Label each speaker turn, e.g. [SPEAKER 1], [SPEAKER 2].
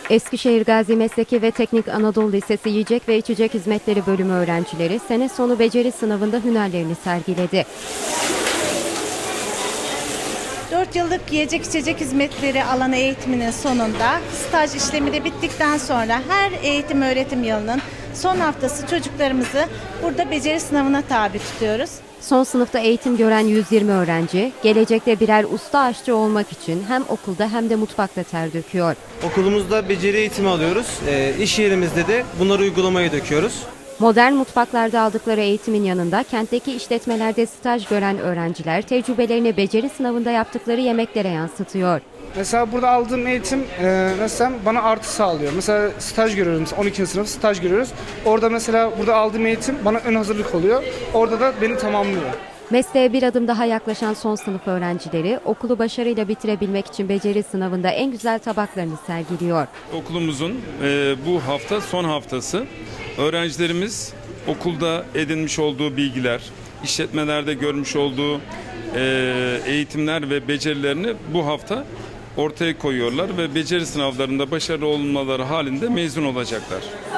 [SPEAKER 1] Eskişehir Gazi Mesleki ve Teknik Anadolu Lisesi Yiyecek ve İçecek Hizmetleri Bölümü öğrencileri sene sonu beceri sınavında hünerlerini sergiledi.
[SPEAKER 2] 4 yıllık yiyecek içecek hizmetleri alanı eğitiminin sonunda staj işlemi de bittikten sonra her eğitim öğretim yılının son haftası çocuklarımızı burada beceri sınavına tabi tutuyoruz.
[SPEAKER 1] Son sınıfta eğitim gören 120 öğrenci, gelecekte birer usta aşçı olmak için hem okulda hem de mutfakta ter döküyor.
[SPEAKER 3] Okulumuzda beceri eğitimi alıyoruz. İş yerimizde de bunları uygulamaya döküyoruz.
[SPEAKER 1] Modern mutfaklarda aldıkları eğitimin yanında kentteki işletmelerde staj gören öğrenciler tecrübelerini beceri sınavında yaptıkları yemeklere yansıtıyor.
[SPEAKER 4] Mesela burada aldığım eğitim mesela bana artı sağlıyor. Mesela staj görüyoruz, mesela 12. sınıf staj görüyoruz. Orada mesela burada aldığım eğitim bana ön hazırlık oluyor. Orada da beni tamamlıyor.
[SPEAKER 1] Mesleğe bir adım daha yaklaşan son sınıf öğrencileri okulu başarıyla bitirebilmek için beceri sınavında en güzel tabaklarını sergiliyor.
[SPEAKER 5] Okulumuzun bu hafta son haftası. Öğrencilerimiz okulda edinmiş olduğu bilgiler, işletmelerde görmüş olduğu eğitimler ve becerilerini bu hafta ortaya koyuyorlar ve beceri sınavlarında başarılı olmaları halinde mezun olacaklar.